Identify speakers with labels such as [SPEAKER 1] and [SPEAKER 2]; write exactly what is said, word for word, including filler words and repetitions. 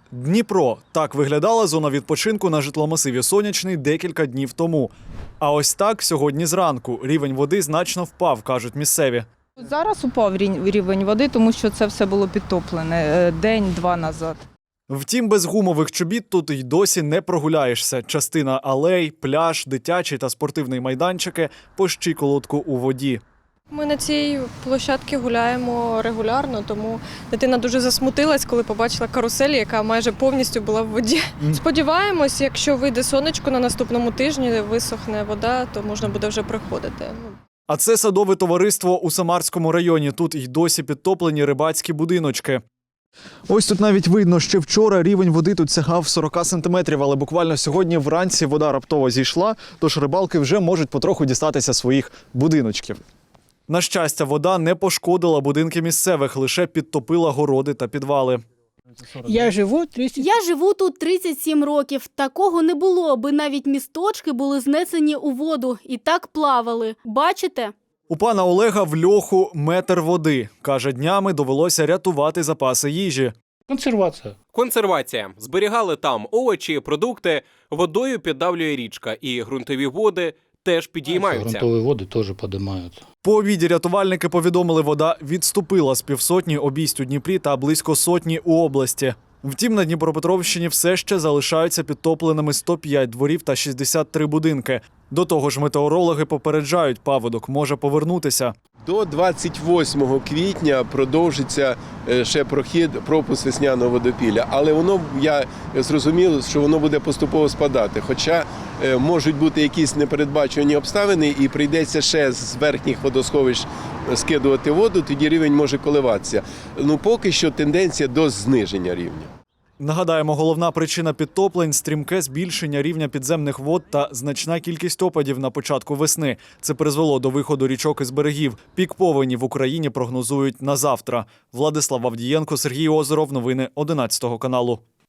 [SPEAKER 1] Дніпро. Так виглядала зона відпочинку на житломасиві Сонячний декілька днів тому. А ось так сьогодні зранку. Рівень води значно впав, кажуть місцеві.
[SPEAKER 2] Зараз упав рівень води, тому що це все було підтоплене день-два назад.
[SPEAKER 1] Втім, без гумових чобіт тут й досі не прогуляєшся. Частина алей, пляж, дитячий та спортивний майданчики по щиколотку у воді.
[SPEAKER 3] Ми на цій площадці гуляємо регулярно, тому дитина дуже засмутилась, коли побачила карусель, яка майже повністю була в воді. Mm. Сподіваємось, якщо вийде сонечко на наступному тижні, висохне вода, то можна буде вже приходити.
[SPEAKER 1] А це садове товариство у Самарському районі. Тут й досі підтоплені рибацькі будиночки. Ось тут навіть видно, що вчора рівень води тут сягав сорок сантиметрів, але буквально сьогодні вранці вода раптово зійшла, тож рибалки вже можуть потроху дістатися своїх будиночків. На щастя, вода не пошкодила будинки місцевих, лише підтопила городи та підвали.
[SPEAKER 4] Я живу тридцять...
[SPEAKER 5] Я живу тут тридцять сім років. Такого не було, аби навіть місточки були знесені у воду і так плавали. Бачите?
[SPEAKER 1] У пана Олега в льоху метр води. Каже, днями довелося рятувати запаси їжі.
[SPEAKER 4] Консервація.
[SPEAKER 6] Консервація. Зберігали там овочі, продукти, водою піддавлює річка і ґрунтові води теж підіймаються.
[SPEAKER 4] Ґрунтові води теж підіймаються.
[SPEAKER 1] По обіді рятувальники повідомили, вода відступила з півсотні обійсть у Дніпрі та близько сотні у області. Втім, на Дніпропетровщині все ще залишаються підтопленими сто п'ять дворів та шістдесят три будинки. До того ж, метеорологи попереджають, паводок може повернутися.
[SPEAKER 7] До двадцять восьмого квітня продовжиться ще прохід, пропуск весняного водопілля. Але воно, я зрозумів, що воно буде поступово спадати. Хоча можуть бути якісь непередбачувані обставини і прийдеться ще з верхніх водосховищ скидувати воду, тоді рівень може коливатися. Ну, поки що тенденція до зниження рівня.
[SPEAKER 1] Нагадаємо, головна причина підтоплень – стрімке збільшення рівня підземних вод та значна кількість опадів на початку весни. Це призвело до виходу річок із берегів. Пік повені в Україні прогнозують на завтра. Владислав Авдієнко, Сергій Озеров. Новини одинадцятого каналу.